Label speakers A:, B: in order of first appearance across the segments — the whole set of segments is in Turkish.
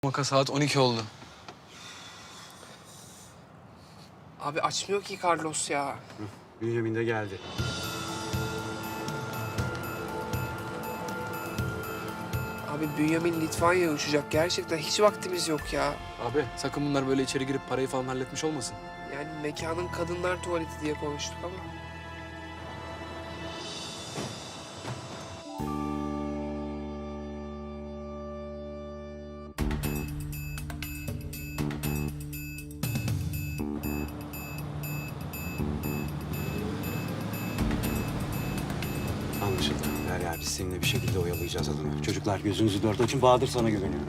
A: Maka saat 12 oldu.
B: Abi açmıyor ki Carlos ya.
C: Bünyamin de geldi.
B: Abi Bünyamin Litvanya'ya uçacak. Gerçekten hiç vaktimiz yok ya.
A: Abi sakın bunlar böyle içeri girip parayı falan halletmiş olmasın.
B: Yani mekanın kadınlar tuvaleti diye konuştuk ama.
C: Anlaşıldı. Derya biz seninle bir şekilde oyalayacağız adamı. Çocuklar gözünüzü dört açın. Bahadır sana güveniyorum.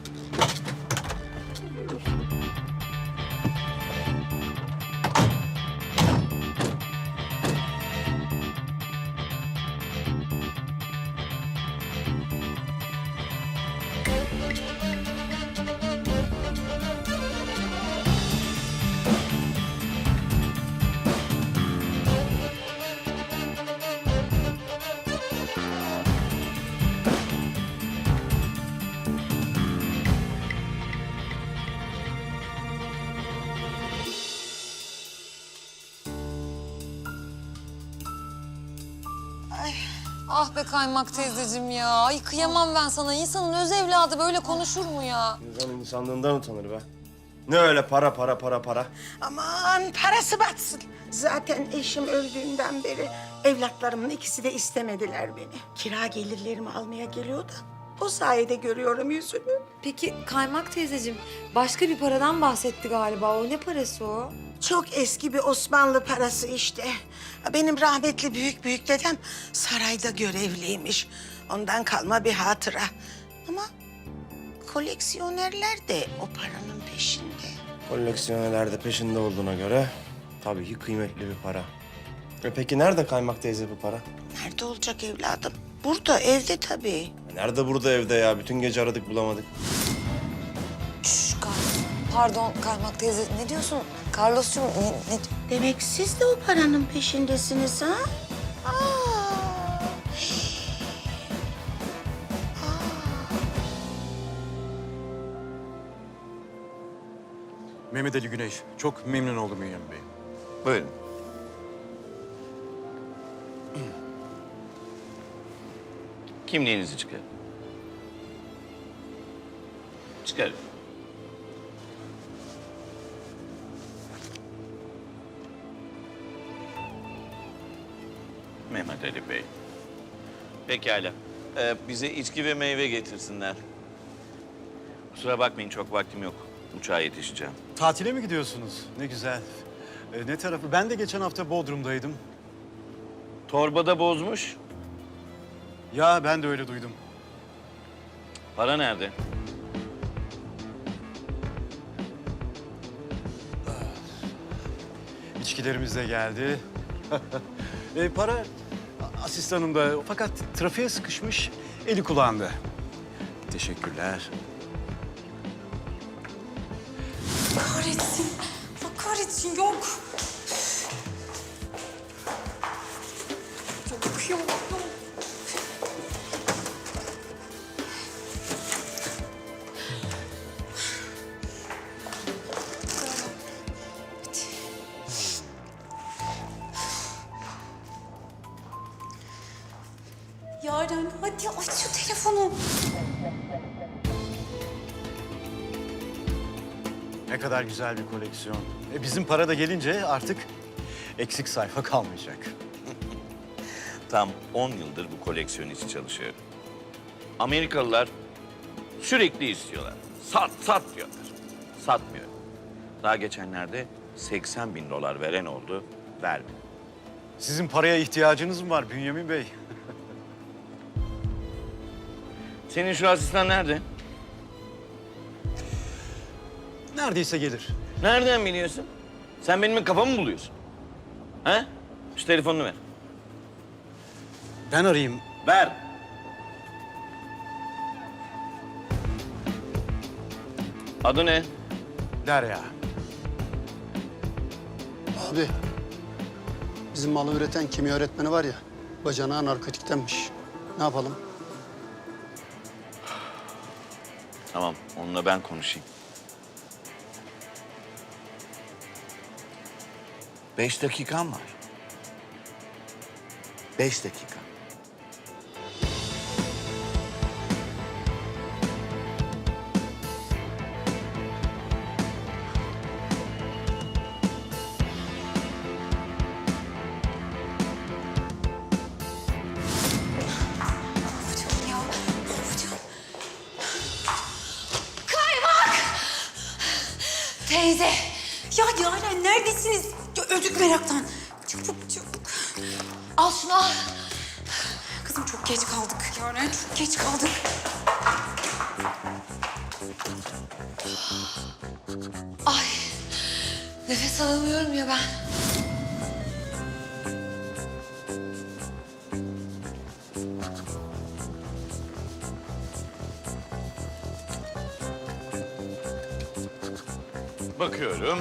D: Ah be Kaymak teyzeciğim ya. Ay kıyamam ben sana. İnsanın öz evladı böyle konuşur mu ya?
E: İnsan insanlığından utanır be. Ne öyle para para para para.
F: Aman parası batsın. Zaten eşim öldüğünden beri evlatlarımın ikisi de istemediler beni. Kira gelirlerimi almaya geliyor da o sayede görüyorum yüzünü.
D: Peki Kaymak teyzeciğim başka bir paradan bahsetti galiba. O ne parası o?
F: Çok eski bir Osmanlı parası işte. Benim rahmetli büyük dedem sarayda görevliymiş. Ondan kalma bir hatıra. Ama koleksiyonerler de o paranın peşinde.
E: Koleksiyonerler de peşinde olduğuna göre tabii ki kıymetli bir para. Peki nerede Kaymak teyze bu para?
F: Nerede olacak evladım? Burada, evde tabii.
E: Nerede burada evde ya? Bütün gece aradık bulamadık.
D: Şşş pardon Kaymak teyze ne diyorsun? Carlos'cum ne...
F: Demek siz de o paranın peşindesiniz ha? Aa.
C: Mehmet Ali Güneş. Çok memnun oldum Bünyamin Bey.
G: Buyurun. Kimliğinizi çıkarın. Çıkarın. Mehmet Ali Bey. Pekala. Bize içki ve meyve getirsinler. Kusura bakmayın, çok vaktim yok. Uçağa yetişeceğim.
H: Tatile mi gidiyorsunuz? Ne güzel. Ne tarafı? Ben de geçen hafta Bodrum'daydım.
G: Torbada bozmuş.
H: Ya ben de öyle duydum.
G: Para nerede?
H: İçkilerimiz de geldi. Para asistanımda fakat trafiğe sıkışmış, eli kulağında. Teşekkürler.
D: Kahretsin. Allah kahretsin yok. Yok. Yaren hadi aç şu telefonu.
H: Ne kadar güzel bir koleksiyon. Bizim para da gelince artık eksik sayfa kalmayacak.
G: Tam 10 yıldır bu koleksiyon için çalışıyorum. Amerikalılar sürekli istiyorlar. Sat diyorlar. Satmıyorum. Daha geçenlerde 80 bin dolar veren oldu, vermedi.
H: Sizin paraya ihtiyacınız mı var Bünyamin Bey?
G: Senin şu asistan nerede?
H: Neredeyse gelir.
G: Nereden biliyorsun? Sen benim kafamı mı buluyorsun? He? Şu telefonunu ver.
H: Ben arayayım.
G: Ver. Adı ne?
H: Derya.
I: Abi, bizim malı üreten kimya öğretmeni var ya, bacanağı narkotiktenmiş. Ne yapalım?
G: Tamam, onunla ben konuşayım. 5 dakikam var. 5 dakika.
D: Teyze. Ya Yaren neredesiniz? Ya, öldük meraktan. Çabuk çabuk. Al şunu al. Kızım çok geç kaldık Yaren. Çok geç kaldık. Ay. Nefes alamıyorum ya ben.
G: Bakıyorum.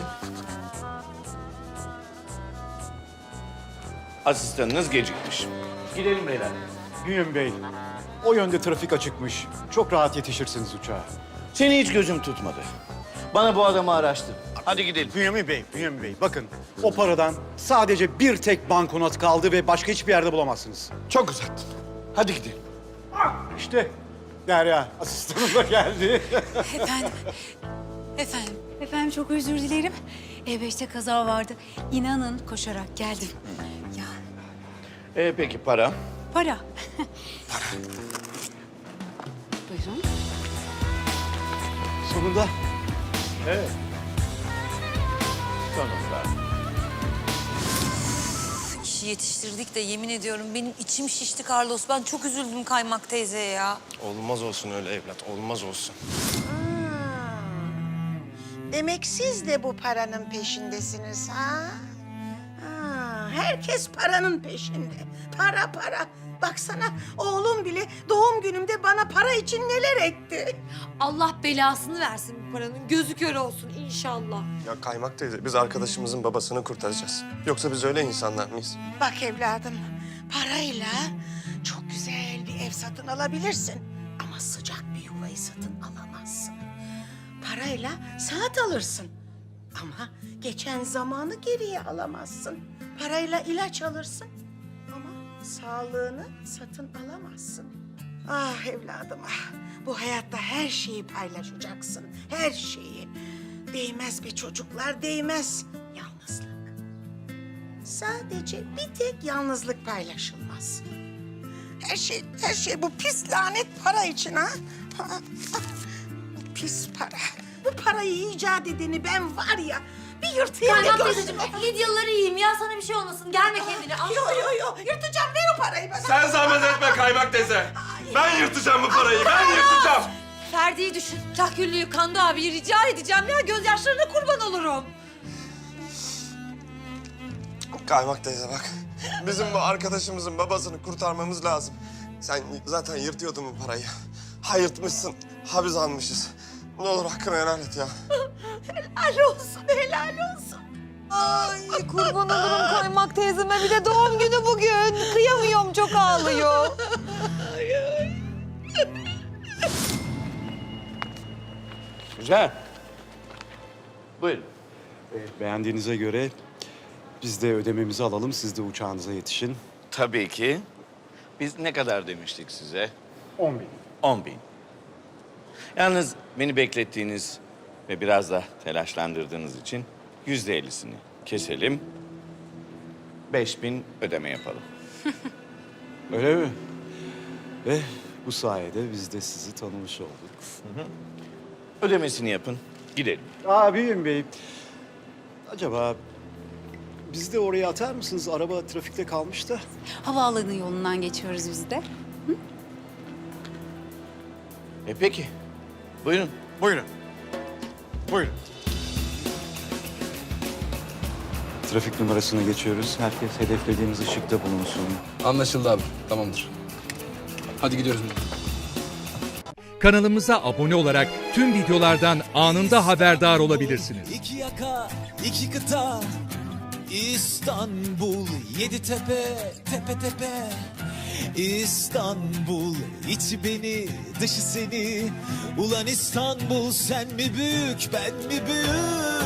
G: Asistanınız gecikmiş. Gidelim beyler.
H: Bünyamin Bey, o yönde trafik açıkmış. Çok rahat yetişirsiniz uçağa.
G: Seni hiç gözüm tutmadı. Bana bu adamı araştır. Hadi gidelim.
H: Bünyamin Bey, bakın o paradan sadece bir tek banknot kaldı ve başka hiçbir yerde bulamazsınız.
G: Çok uzattın. Hadi gidelim.
H: İşte Derya, asistanım da geldi.
J: Efendim, efendim çok özür dilerim. E5'te kaza vardı. İnanın koşarak geldim. Ya
G: Peki para?
J: para. Buyurun.
H: Sonunda.
G: Evet. Sonunda.
D: İşi yetiştirdik de yemin ediyorum benim içim şişti Carlos. Ben çok üzüldüm Kaymak teyzeye ya.
E: Olmaz olsun öyle evlat, olmaz olsun.
F: Demek siz de bu paranın peşindesiniz ha? Herkes paranın peşinde. Para para. Baksana oğlum bile doğum günümde bana para için neler etti.
D: Allah belasını versin bu paranın. Gözü kör olsun inşallah.
E: Ya Kaymak teyze, biz arkadaşımızın babasını kurtaracağız. Yoksa biz öyle insanlar mıyız?
F: Bak evladım, parayla çok güzel bir ev satın alabilirsin. Ama sıcak bir yuvayı satın alamazsın. Parayla saat alırsın. Ama geçen zamanı geriye alamazsın. Parayla ilaç alırsın. Ama sağlığını satın alamazsın. Ah evladım ah. Bu hayatta her şeyi paylaşacaksın. Her şeyi. Değmez be çocuklar, değmez. Yalnızlık. Sadece bir tek yalnızlık paylaşılmaz. Her şey bu pis lanet para için ha. Bu pis para. Bu parayı icat edeni ben var ya bir yırtayım da
D: Kaymak
F: görsün.
D: teyzeciğim Lidyaları yiyeyim ya sana bir şey olmasın. Germe kendini. Al.
F: Yo yırtacağım ver o parayı bana.
K: Sen zahmet etme Kaymak teyze. Ben yırtacağım bu parayı, ben yırtacağım.
D: Ferdi'yi düşün. Kahküllüyü Kando abiyi rica edeceğim ya. Gözyaşlarına kurban olurum.
E: Kaymak teyze bak, bizim bu arkadaşımızın babasını kurtarmamız lazım. Sen zaten yırtıyordun bu parayı. Ha yırtmışsın, ha biz almışız. Ne olur hakkını helal et ya.
F: Helal olsun, helal olsun.
D: Ay kurban olurum Kaymak teyzeme. Bir de doğum günü bugün. Kıyamıyorum çok ağlıyor.
G: Güzel. Buyurun.
H: Beğendiğinize göre biz de ödememizi alalım, siz de uçağınıza yetişin.
G: Tabii ki. Biz ne kadar demiştik size?
H: 10.000.
G: 10.000. Yalnız beni beklettiğiniz ve biraz da telaşlandırdığınız için %50'sini keselim. 5.000 ödeme yapalım.
H: Öyle mi? Ve bu sayede biz de sizi tanımış olduk.
G: Ödemesini yapın, gidelim.
H: Abim Bey, acaba bizi de oraya atar mısınız? Araba trafikte kalmış da.
J: Havaalanı yolundan geçiyoruz biz de.
G: Peki. Buyurun.
H: Buyurun. Buyurun. Trafik numarasına geçiyoruz. Herkes hedeflediğimiz ışıkta bulunsun.
A: Anlaşıldı abi. Tamamdır. Hadi gidiyoruz.
L: Kanalımıza abone olarak tüm videolardan anında haberdar olabilirsiniz.
M: İki yaka, iki kıta, İstanbul, 7 tepe, tepe tepe. İstanbul, içi beni, dışı seni. Ulan İstanbul, sen mi büyük, ben mi büyük?